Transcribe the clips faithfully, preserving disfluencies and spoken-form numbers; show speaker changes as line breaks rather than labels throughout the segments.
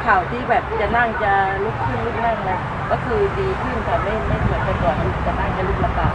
ข่าวที่แบบจะนั่งจะลุกขึ้นลุกนั่งเลยก็คือดีขึ้นแต่ไม่ไม่เหมือนแต่ก่อนจะนั่งจะลุกลำบาก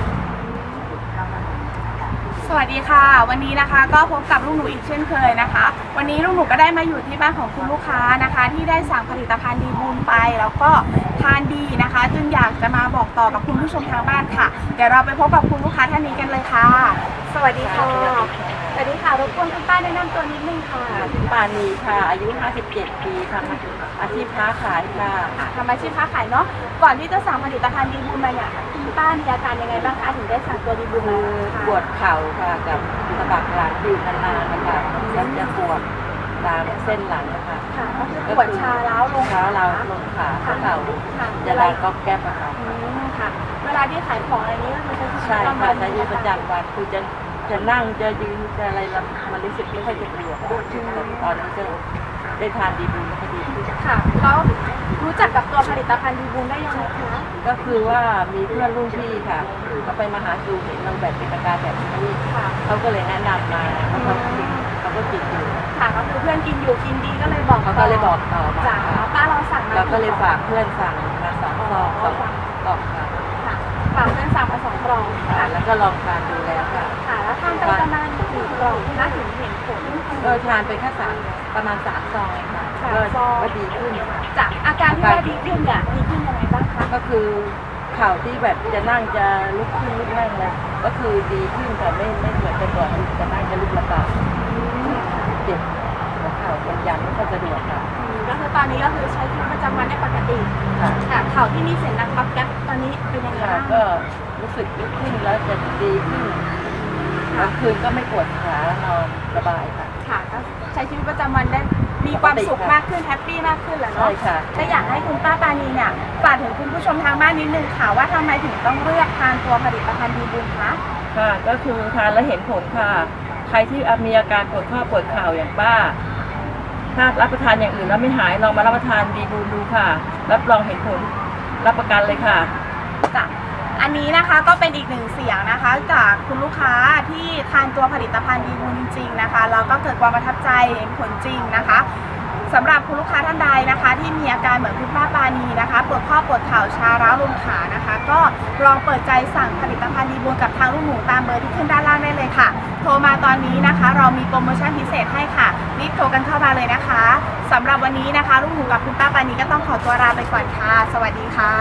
สวัสดีค่ะวันนี้นะคะก็พบกับลูกหนูอีกเช่นเคยนะคะวันนี้ลูกหนูก็ได้มาอยู่ที่บ้านของคุณลูกค้านะคะที่ได้สั่งผลิตภัณฑ์ดีบูลไปแล้วก็ทานดีนะคะจึงอยากจะมาบอกต่อกับคุณผู้ชมทางบ้านค่ะเดี๋ยวเราไปพบกับคุณลูกค้าท่านนี้กันเลยค่ะสวัสดีค่ะสวัสดีค่ะรบกวนคุณป้าแนะนำตัวนิดนึงค่ะ
ปานีค่ะอายุห้าสิบเจ็ดปีทำอาชีพค้าขายค่ะ
ทำอาชีพค้าขายเนาะก่อนที่จะสั่งผลิตภัณฑ์ดีบูลมาเนี่ยคุณป้ามีอาการยังไงบ้างคะถึงได้สั่งตัวดีบูลมา
ปวดเข่าค่ะกับสะบักหลังอยู่นานๆนะคะแล้วจะปวดตามเส้นหลังนะคะ
ค่ะก็คือปวดชาล้าวลง
ขาเราลงขาเข่าจะดังก๊อบแก๊บอะค่ะ
ค่ะเวลาที่ขายของอะไรนี้ก็คือ
ใช่ค่ะใช้ชีวิตประจำวันคือจะจะนั่งจะยืนจะอะไรมันรู้สึกไม่ค่อยจะดีแต่ตอนนี้จะได้ทานดีบูลก็ดีขึ้น
ค่ะแล้วรู้จักกับตัวผลิตภัณฑ์ดีบูลได้ยังไงคะ
ก็คือว่ามีเพื่อนรุ่นพี่ค่ะเขาไปมาหาดูเห็นนางแบบเป็นอาการแบบนี้เขาก็เลยแนะนำมาแล้วเขากินเขาก็กินอยู่
ค่ะก็คือเพื่อนกินอยู่กินดีก็เลยบอก
เขาก็เลยบอกต่อมา
จากป้าเราสั่งมา
เราก็เลยฝากเพื่อนสั่งมาสองซองสองกล่องค่ะ
ฝากเพื่อนสั่งมาสองกล่อง
ค่ะแล้วก็ลองทานดูแล้วค่ะ
ค่ะแล้วทานไปประมาณกี่กล่องน่าถึงเห็นผล
ก็ทานไปแค่สามประมาณสามซองเองค่ะก็ดีขึ้น
จากอาการที่ว่าดีขึ้นเนี่ยดีขึ้นยังไงบ้างคะ
ก็คือเข่าที่แบบจะนั่งจะลุกขึ้นลุกนั่งเลยก็คือดีขึ้นแต่ไม่ไม่เหมือนแต่ก่อนจะนั่งจะลุกลำบากเจ็บหัวเข่ามันยันไม่ค่อยสะดวกค่ะ
ก็คือตอนนี้ก็คือใช้ชีวิตประจำวันได้ปกติ
ค่ะ
เข่าที่มีเสียงดังก๊อบแก๊บตอนนี้เป็นยังไงบ้าง
ก็รู้สึกลุกขึ้นแล้วจะดีขึ้นกลางคืนก็ไม่ปวดขานอนสบายค่ะ
ค่ะก็ใช้ชีวิตประจำวันได้มีความสุขมากขึ้นแฮปปี้มากขึ้นแหละเนาะ
ใช่ค่ะ
ถ้าอยากให้คุณป้าปานีเนี่ยฝากถึงคุณผู้ชมทางบ้านนิดนึงค่ะว่าทำไมถึงต้องเลือกทานตัวผลิตภัณฑ์ดีบูลคะ
ค่ะก็คือทานแล้วเห็นผลค่ะใครที่มีอาการปวดข้อปวดเข่าอย่างป้าถ้ารับประทานอย่างอื่นแล้วไม่หายลองมารับประทานดีบูลดูค่ะรับรองเห็นผลรับประกันเลยค่ะ
จ้ะอันนี้นะคะก็เป็นอีกหนึ่งเสียงนะคะจากคุณลูกค้าที่ทานตัวผลิตภัณฑ์ดีบูลจริงๆนะคะแล้วก็เกิดความประทับใจเห็นผลจริงนะคะสำหรับคุณลูกค้าท่านใดนะคะที่มีอาการเหมือนคุณป้าปานีนะคะปวดข้อปวดเข่าชาร้าวลงขานะคะก็ลองเปิดใจสั่งผลิตภัณฑ์ดีบูลกับทางลูกหมูตามเบอร์ที่ขึ้นด้านล่างได้เลยค่ะโทรมาตอนนี้นะคะเรามีโปรโมชั่นพิเศษให้ค่ะรีบโทรกันเข้ามาเลยนะคะสำหรับวันนี้นะคะลูกหมูกับคุณป้าปานีก็ต้องขอตัวลาไปก่อนค่ะสวัสดีค่ะ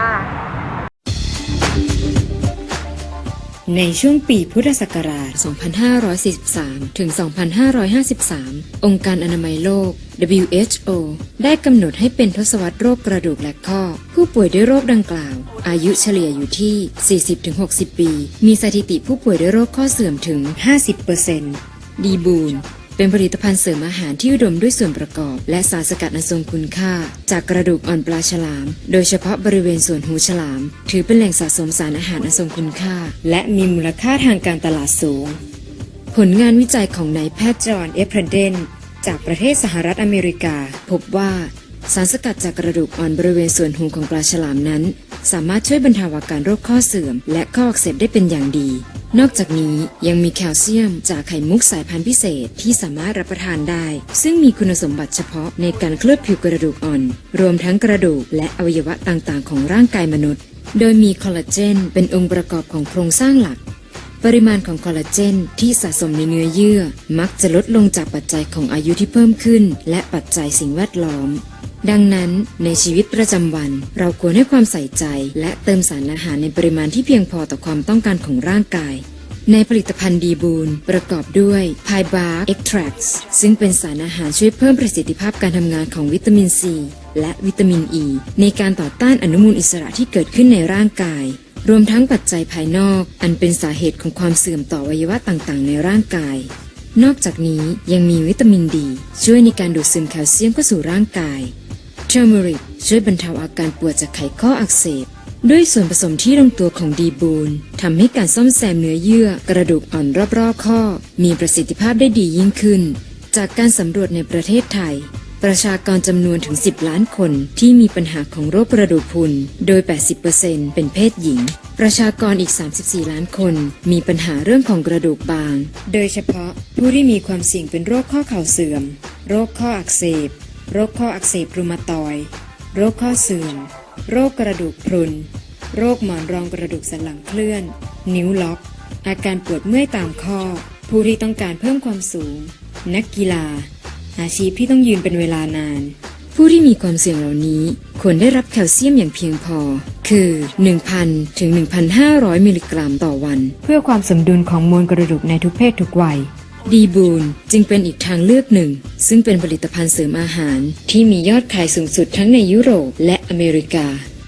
ในช่วงปีพุทธศักราช สองพันห้าร้อยสี่สิบสาม ถึง สองพันห้าร้อยห้าสิบสาม องค์การอนามัยโลก ดับเบิลยู เอช โอ ได้กำหนดให้เป็นทศวรรษโรคกระดูกและข้อผู้ป่วยด้วยโรคดังกล่าวอายุเฉลี่ยอยู่ที่ สี่สิบถึงหกสิบ ปี มีสถิติผู้ป่วยด้วยโรคข้อเสื่อมถึง ห้าสิบเปอร์เซ็นต์ ดีบูลเป็นผลิตภัณฑ์เสริมอาหารที่อุดมด้วยส่วนประกอบและสารสกัดอันทรงคุณค่าจากกระดูกอ่อนปลาฉลามโดยเฉพาะบริเวณส่วนหูฉลามถือเป็นแหล่งสะสมสารอาหารอันทรงคุณค่าและมีมูลค่าทางการตลาดสูงผลงานวิจัยของนายแพทย์จอห์น เอฟ เพรเดนจากประเทศสหรัฐอเมริกาพบว่าสารสกัดจากกระดูกอ่อนบริเวณส่วนหูของปลาฉลามนั้นสามารถช่วยบรรเทาอาการโรคข้อเสื่อมและข้ออักเสบได้เป็นอย่างดีนอกจากนี้ยังมีแคลเซียมจากไข่มุกสายพันธุ์พิเศษที่สามารถรับประทานได้ซึ่งมีคุณสมบัติเฉพาะในการเคลือบผิวกระดูกอ่อนรวมทั้งกระดูกและอวัยวะต่างๆของร่างกายมนุษย์โดยมีคอลลาเจนเป็นองค์ประกอบของโครงสร้างหลักปริมาณของคอลลาเจนที่สะสมในเนื้อเยื่อมักจะลดลงจากปัจจัยของอายุที่เพิ่มขึ้นและปัจจัยสิ่งแวดล้อมดังนั้นในชีวิตประจำวันเราควรให้ความใส่ใจและเติมสารอาหารในปริมาณที่เพียงพอต่อความต้องการของร่างกายในผลิตภัณฑ์ดีบูลประกอบด้วย Pie Bark Extracts ซึ่งเป็นสารอาหารช่วยเพิ่มประสิทธิภาพการทำงานของวิตามินซีและวิตามินอ e ีในการต่อต้านอนุมูลอิสระที่เกิดขึ้นในร่างกายรวมทั้งปัจจัยภายนอกอันเป็นสาเหตุของความเสื่อมต่ออวัยวะต่างๆในร่างกายนอกจากนี้ยังมีวิตามินดีช่วยในการดูดซึมแคลเซียมเข้าสู่ร่างกายเทอร์เมริกช่วยบรรเทาอาการปวดจากไขข้ออักเสบด้วยส่วนผสมที่ลงตัวของดีบูลทำให้การซ่อมแซมเนื้อเยื่อกระดูกอ่อนรอบๆข้อมีประสิทธิภาพได้ดียิ่งขึ้นจากการสำรวจในประเทศไทยประชากรจำนวนถึงสิบล้านคนที่มีปัญหาของโรคกระดูกพรุนโดย แปดสิบเปอร์เซ็นต์ เป็นเพศหญิงประชากรอีกสามสิบสี่ล้านคนมีปัญหาเรื่องของกระดูกบางโดยเฉพาะผู้ที่มีความเสี่ยงเป็นโรคข้อเข่าเสื่อมโรคข้ออักเสบโรคข้ออักเสบรูมาตอยด์โรคข้อเสื่อมโรคกระดูกพรุนโรคหมอนรองกระดูกสันหลังเคลื่อนนิ้วล็อกอาการปวดเมื่อยตามข้อผู้ที่ต้องการเพิ่มความสูงนักกีฬาอาชีพที่ต้องยืนเป็นเวลานานผู้ที่มีความเสี่ยงเหล่านี้ควรได้รับแคลเซียมอย่างเพียงพอคือ หนึ่งพัน ถึง หนึ่งพันห้าร้อย มิลลิกรัมต่อวันเพื่อความสมดุลของมวลกระดูกในทุกเพศทุกวัยดีบูนจึงเป็นอีกทางเลือกหนึ่งซึ่งเป็นผลิตภัณฑ์เสริมอาหารที่มียอดขายสูงสุดทั้งในยุโรปและอเมริกา